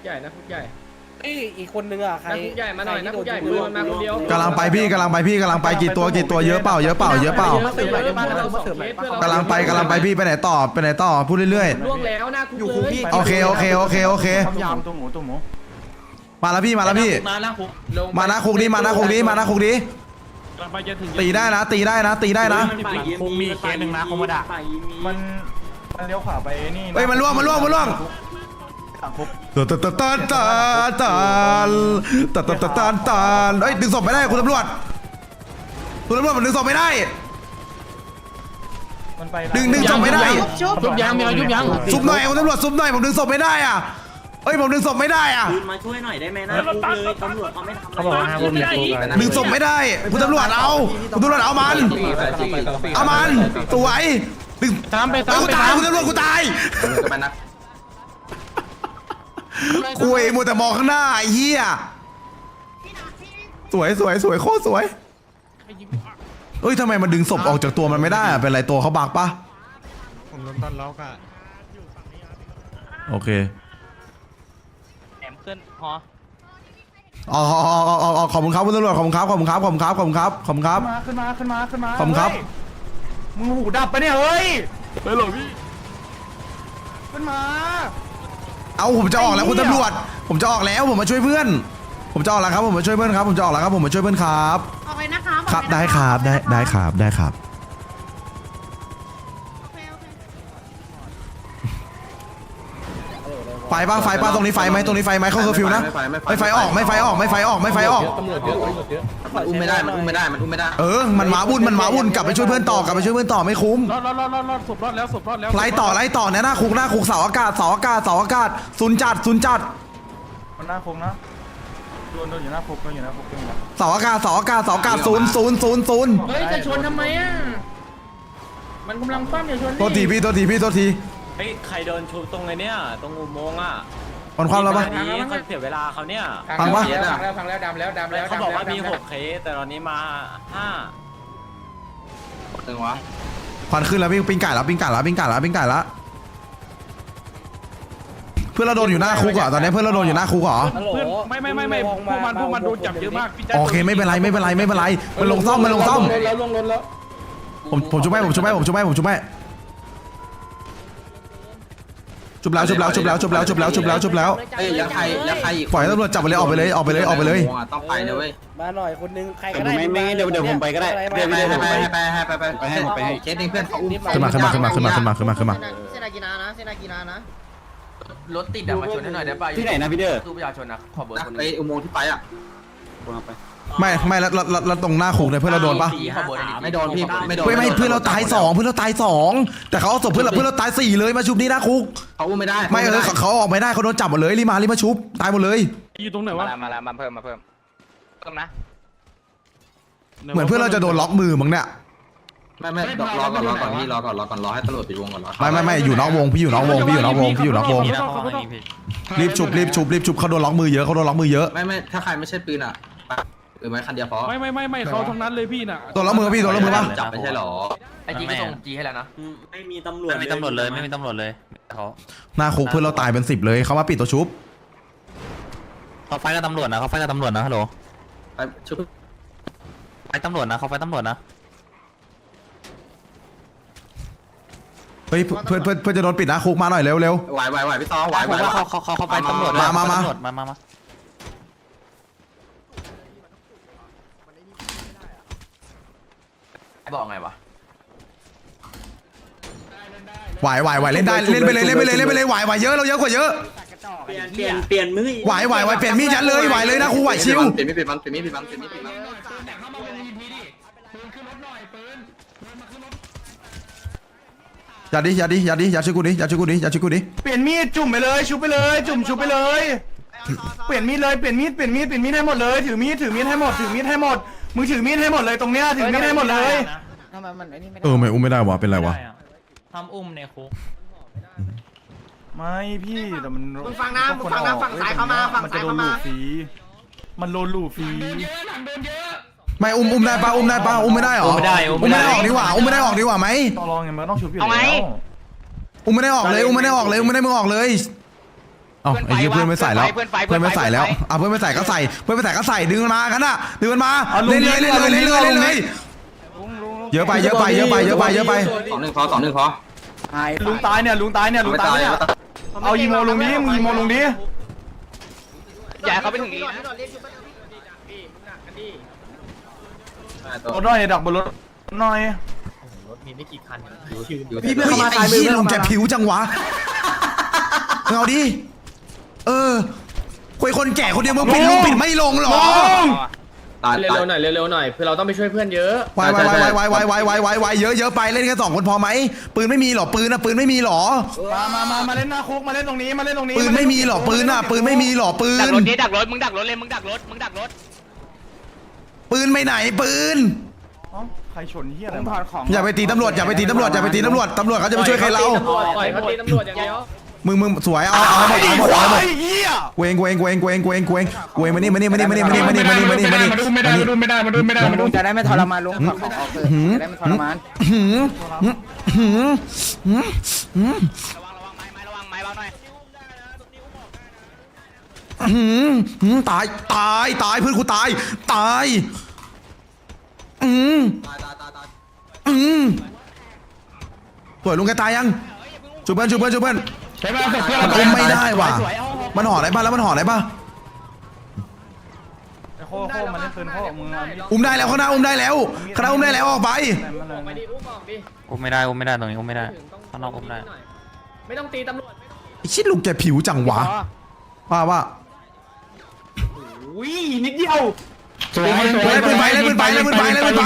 ใหญ่นะคุกใหญ่อีกคนนึงอ่ะใครนักคุกใหญ่มาหน่อยนักคุกใหญ่ปืนมันมาคนเดียวกำลังไปพี่กำลังไปพี่กำลังไปกี่ตัวเยอะเปล่าเยอะเปล่าเยอะเปล่า กำลังไปพี่ไปไหนต่อพูดเรื่อยล่วงแล้วหน้าคุกเลยๆโอเคยามตัวหมูมาแล้วพี่มานะคุกนี้ตีได้นะคงมีเคสหนึ่งนะคงมาด่ามันเลี้ยวขวาไปนี่เฮ้ยมันล่วงตานเฮ้ยดึงศพไม่ได้คุณตำรวจมันดึงศพไม่ได้มันไปดึงศพไม่ได้ยุบยังซุบหน่อยคุณตำรวจซุบหน่อยผมดึงศพไม่ได้อ่ะเฮ้ยผมดึงศพไม่ได้อ่ะมาช่วยหน่อยได้ไหมนะเลยตำรวจเขาไม่ทำเขาบอกว่าผมอยากรู้กันดึงศพไม่ได้คุณตำรวจเอามันสวยดึงตามกูตายคุณตำรวจกูตายคุยมัวแต่มองข้างหน้าไอ้เหี้ยสวยโคตรสวยเอ้ยทำไมมันดึงศพออกจากตัวมันไม่ได้อะเป็นไรตัวเขาบักปะผมโดนต้นล็อกอะโอเคแหมขึ้นฮอขอบคุณครับคุณตำรวจขอบคุณครับขึ้นมามึงหูดับปะเนี่ยเฮ้ยหรอพี่ขึ้นมาเอาผมจะออกแล้วคุณตำรวจผมจะออกแล้วผมมาช่วยเพื่อนผมจะออกแล้วครับผมมาช่วยเพื่อนครับผมจะออกแล้วครับผมมาช่วยเพื่อนครับออกเลยนะคะครับได้ครับไฟป่ะตรงนี้ไฟไหมเข้าเคอร์ฟิวนะไฟออกตำรวจเยอะอุ้มไม่ได้มันมาวุ่นกลับไปช่วยเพื่อนต่อไม่คุ้มรอดศพรอดแล้วไล่ต่อเนี่ยหน้าคุกเสาอากาศศูนย์จัดมันหน้าคงนะโดนอยู่หน้าคุกเสาอากาศศูนย์เฮ้ยจะชนทำไมอ่ะมันกำลังปั้มอย่าชนโทษทีพี่เฮ้ยใครโดนชุบตรงไงเนี่ยตรงอุโมงค์อ่ะมันความแล้วปะนี้เขาเสียเวลาเขาเนี่ยพังปะพังแล้วดำแล้วเขาบอกว่ามี6เคสแต่ตอนนี้มา5 ตึงวะควันขึ้นแล้วพี่ปิ้งไก่แล้วเพื่อนเราโดนอยู่หน้าคุกเหรอตอนนี้เพื่อนเราโดนอยู่หน้าคุกเหรอเพื่อนไม่พวกมันโดนจับเยอะมากโอเคไม่เป็นไรมันลงซ่อมแล้วผมชุบให้ชุบแล้วเฮ้ยแล้วใครอีกปล่อยตำรวจจับไปเลยออกไปเลยต้องไปนะเว้ยมาหน่อยคนนึงใครก็ได้ไม่เดี๋ยวผมไปก็ได้ไปให้เคสนี้เพื่อนเขาอุ้มขึ้นมาเซนากินานะรถติดอะมาชนให้หน่อยได้ป่ะที่ไหนนะพี่เด้อตู้ประชาชนนะขอเบอร์คนนึงไออุโมงค์ที่ไปอ่ะไม่แล้วตรงหน้าคุกเนี่ยเพื่อนเราโดนปะไม่โดนพี่ไม่โดนไม่เพื่อนเราตาย2แต่เขาเอาศพเพื่อนเราตาย4เลยมาชุบนี่หน้าคุกเขาอุ้มไม่ได้ไม่เขาออกไม่ได้เขาโดนจับหมดเลยรีบมาชุบตายหมดเลยอยู่ตรงไหนวะมาเพิ่มนะเหมือนเพื่อนเราจะโดนล็อกมือมั้งเนี่ยไม่รอก่อนพี่รอก่อนรอให้ตำรวจปิดวงก่อนรอไม่อยู่นอกวงพี่อยู่นอกวงรีบชุบเขาโดนล็อกมือเยอะไม่ถ้าใครไม่ใช่ปืนอ่ะหรือไม่คันเดียวพอไม่เขาทั้งนั้นเลยพี่น่ะโดนล็อกมือปะจับไม่ใช่หรอไอจีก็ส่งจีให้แล้วนะไม่มีตำรวจเลยเขาหน้าคุกเพื่อนเราตายเป็น10เลยเขามาปิดตัวชุบเขาไฟกับตำรวจนะฮัลโหลไปชุบไฟตำรวจนะเขาไฟตำรวจนะเฮ้ยเพื่อนจะโดนปิดนะคุกมาหน่อยเร็วไหวพี่ตอไหวเขาไฟตำรวจมาบอกไงวะไหวเล่นได้เล่นไปเลยไหวเยอะเราเยอะกว่าเยอะเปลี่ยนมือไหวเปลี่ยนมีดยัดเลยไหวเลยนะครูไหวชิวเปลี่ยนมีดมันอย่าช่วยกูดิเปลี่ยนมีดจุ่มไปเลยชุบไปเลยชุบไปเลยเปลี่ยนมีดให้หมดเลยถือมีดให้หมดมึงถือมีดให้หมดเลยตรงเนี้ยถือมีดให้หมดเลยไม่อุ้มไม่ได้วะเป็นไรวะทำอุ้มในคุกไม่พี่แต่มันมึงฟังนะฝั่งซ้ายเข้ามาฝั่งมันซ้าจะยโดเข้านลูมากฟรีมันโดนลูกฟรีไม่อุ้มได้ปะอุ้มไม่ได้หรออุ้มไม่ได้ออกดีกว่าไหมต้องลองไงมันต้องชุบอยู่แล้วอุ้มไม่ได้ออกเลยไม่ได้มึงออกเลยเอ้าไอ้เหี้ยเพื่อนไม่ใส่แล้วเพื่อนไม่ใส่แล้วเพื่อนไม่ใส่ก็ใส่เพื่อนไม่ใส่ก็ใส่ดึงมันมากันน่ะดึงมันมาเล่นเลยเยอะไปสองหนึ่งพอลุงตายเนี่ยเอาอีโมลุงนี้มึงอีโมลุงนี้อย่าเขาไปถึงนี้รถหน่อยดักบนรถหน่อยพี่เพื่อนเข้ามาตายมือลุงแกผิวจังวะเอาดิคุยคนแก่คนเดียวมึงปิดลุงปิดไม่ลงหรอเร็วๆหน่อยเพื่อเราต้องไปช่วยเพื่อนเยอะวายเยอะไปเล่นแค่2 คนพอไหมปืนไม่มีหรอปืนไม่มีหรอมาเล่นหน้าคุกมาเล่นตรงนี้ปืนไม่มีหรอปืนไม่มีหรอปืนดักรถนี้ดักรถมึงดักรถเลยมึงดักรถปืนไปไหนปืนใครชนเฮียอะไรอย่าไปตีตำรวจตำรวจเขาจะไปช่วยใครเราปล่อยเขาตีตำรวจอย่างเดียวมึงสวยเอาหมดเวงมานี่ลุงจะได้ไม่ทรมานลุงจะได้ไม่ทรมานระวังไม้เบาหน่อยตายเพื่อนกูตายสวยลุงแกตายยังช่วยเพื่อนอุ้มไม่ได้ว่ะมันห่อไหนบ้างแล้วมันห่อไหนบ้างโค้มันเล่นปืนโค้มึงอุ้มได้แล้วข้างหน้าอุ้มได้แล้วออกไปอุ้มไม่ได้ตรงนี้อุ้มไม่ได้ข้างนอกอุ้มได้ไม่ต้องตีตำรวจไอ้ชิดลุงแกผิวจังวะว่าอุ้ยนิดเดียวปืนไปเล่นกลับมาเล่น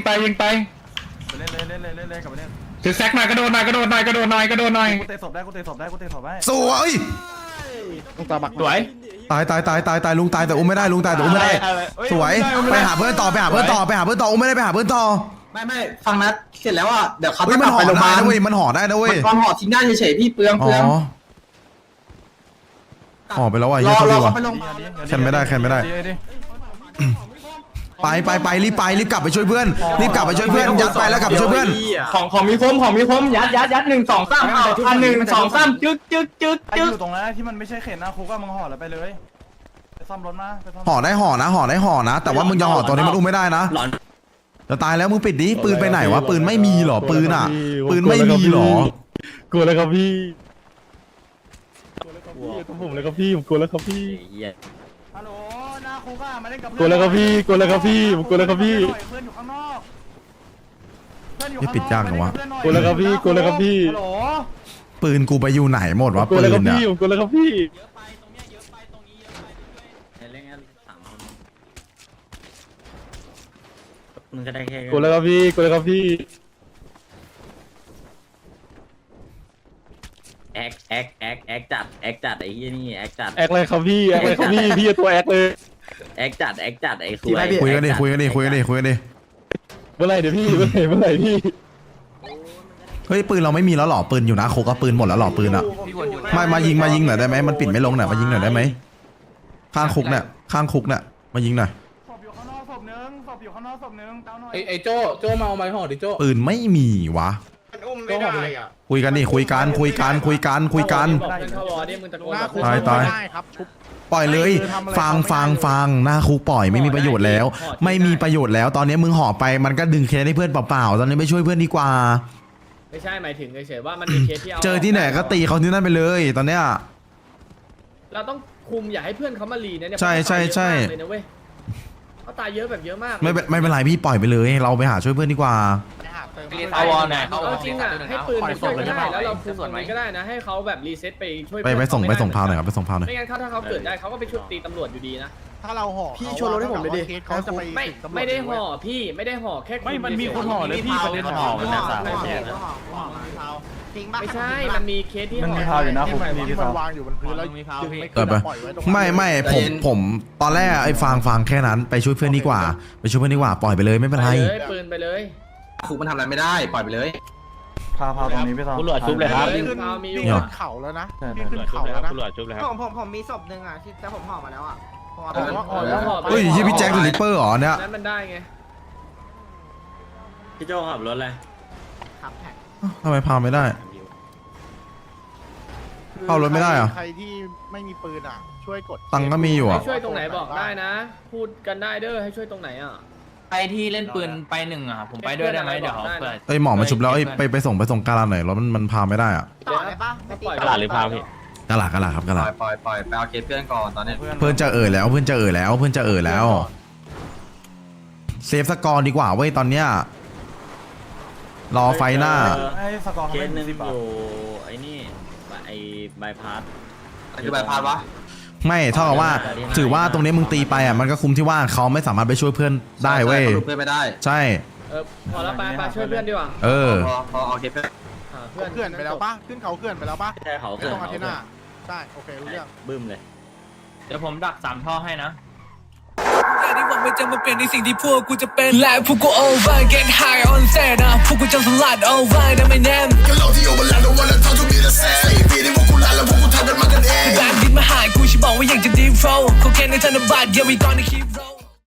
ถือแซกหน่อยกระโดดหน่อยกูเตะศพได้สวยตายลุงตายแต่อุ้มไม่ได้สวยไปหาเพื่อนต่ออุ้มไม่ได้ไปหาเพื่อนต่อไม่ฟังนะเสร็จแล้วอ่ะเดี๋ยวเขาจะมันห่อได้นะเว้ยมันห่อได้นะเว้ยมันห่อทิ้งได้เฉยๆพี่เปลืองห่อไปแล้วว่ะเยอะดีว่ะแคนไม่ได้ไปรีบกลับไปช่วยเพื่อนยัดไปแล้วกลับไปช่วยเพื่อนของมีคมยัด1 2 3เอา1 2 3จึ๊กอยู่ตรงนั้นที่มันไม่ใช่เข็นนะคุกก็มึงห่อแล้วไปเลยไปซ่อมรถมาห่อได้ห่อนะแต่ว่ามึงจะห่อตอนนี้มันอุ้มไม่ได้นะจะตายแล้วมึงปิดดิปืนไปไหนวะปืนไม่มีหรอปืนไม่มีหรอกลัวแล้วครับพี่ผมเลยครับพี่ผมกลัวแล้วครับพี่ฮัลโหลหน้าคุกมาเล่นกับกลัวแล้วครับพี่เพื่อนอยู่ข้างนอกนี่ปิดยากเหรอวะกลัวแล้วครับพี่ปืนกูไปอยู่ไหนหมดวะปืนเนี่ยกลัวแล้วครับพี่มึงก็ได้แค่กลัวแล้วครับพี่แอคจัดไอ้เหี้ยนี่แอคจัดอะไรครับพี่พี่ตัวแอคเลยแอคจัดไอ้คุยกันดิเมื่อไหร่เดี๋ยวพี่เมื่อไหร่พี่เฮ้ยปืนเราไม่มีแล้วหรอปืนอยู่นะโคก็ปืนหมดแล้วหรอปืนอ่ะมายิงหน่อยได้ไหมมันปิดไม่ลงน่ะมายิงหน่อยได้ไหมข้างคุกเนี่ยมายิงหน่อยศพอยู่ข้างนอกศพนึงเต้าหน่อยไอ้โจ้มาเอาไม้ห่อดิโจ้ปืนไม่มีวะคุยกันคุยกันตายปล่อยเลยฟังหน้าคุกปล่อยไม่มีประโยชน์แล้วตอนนี้มึงห่อไปมันก็ดึงเคสให้เพื่อนเปล่าๆตอนนี้ไปช่วยเพื่อนดีกว่าไม่ใช่หมายถึงเฉยๆว่ามันมีเคสที่เอาเจอที่ไหนก็ตีเขาที่นั่นไปเลยตอนเนี้ยเราต้องคุมอย่าให้เพื่อนเขามาลีเนี่ยใช่เลยนะเว้ยเขาตายเยอะแบบเยอะมากไม่เป็นไรพี่ปล่อยไปเลยเราไปหาช่วยเพื่อนดีกว่าเอาวอลเนี่ยจริงอ่ะให้ปืนไปช่วยก็ได้แล้วเราคุมส่วนไหนก็ได้นะให้เขาแบบรีเซ็ตไปช่วยไปส่งพาวหน่อยครับไปส่งพาวหน่อยไม่งั้นถ้าเขาเกิดได้เขาก็ไปช่วยตีตำรวจอยู่ดีนะถ้าเราห่อพี่ชวนรถให้ผมเลยดิเขาจะไม่ได้ห่อพี่ไม่ได้ห่อแค่ไม่มันมีคนห่อเลยพี่ประเด็นห่อมันน่าสาไม่ใช่มันมีเคสที่มันมีพาวอยู่นะผมที่มันวางอยู่บนพื้นแล้วมีพาวไม่ผมตอนแรกไอ้ฟังแค่นั้นไปช่วยเพื่อนดีกว่าปล่อยไปเลยไม่เป็นไรปืนไปเลยคุกมันทำอะไรไม่ได้ปล่อยไปเลยพาวตรงนี้พี่ทองคุณหลวดชุบเลยครับพี่ขึ้นเขาแล้วนะคุณหลวดชุบเลยครับผมมีศพหนึ่งอ่ะที่แต่ผมห่อมาแล้วอ่ะเฮ้ยพี่แจ็คหรือลิปเปอร์เหรอเนี่ยนั้นมันได้ไงพี่โจ้ขับรถอะไรขับแท็กทำไมพาไม่ได้เข้ารถไม่ได้อะใครที่ไม่มีปืนอ่ะ ช่วยกดตังค์ก็มีอยู่ให้อะช่วยตรงไหนบอกได้นะ พูดกันได้เด้อให้ช่วยตรงไหนอ่ะไปที่เล่นปืนไปหนึ่งอ่ะผมไปด้วยได้ไหมเดี๋ยวเปิดเอ้ยหมอมาชุบแล้วเอ้ยไปส่งกาลาหน่อยรถมันพาไม่ได้อะต่อได้ปะปล่อยตลาดหรือพาพี่กาลาครับกาลาปล่อยไปเอาเคสเพื่อนก่อนตอนนี้เพื่อนจะแล้ว เพื่อนจะแล้ว เซฟสกอร์ดีกว่าเว้ยตอนเนี้ยรอไฟหน้าเคสหนึ่งอยู่ไอ้นี่ไอ้บายพาสคือใบพัดวะไม่เท่ากับว่าถือว่าตรงนี้มึงตีไปอ่ะมันก็คุ้มที่ว่าเขาไม่สามารถไปช่วยเพื่อนได้เว้ยเพื่อนไม่ได้ใช่พอแล้วไปช่วยเพื่อนดีกว่าเออพอเอาเคสเพื่อนเพื่อนเขื่อนไปแล้วปะขึ้นเขาเขื่อนไปแล้วปะใช่เขาไม่เกิดต้องอาเขาเทเกิน่าดใช่โอเครู้เรื่องบึ้มเลยเดี๋ยวผมดัก3ท่อให้นะที่หวังว่าจะมาเปลี่ยนในสิ่งที่พวกกูจะเป็นและพวกกู over get high on set นะพวกกูจะสลัด over นะไม่แน่แบงค์ดินมาหากูฉันบอกว่าอยากจะ deep flow เขาแค่ในธนบัตร yeah we gonna keep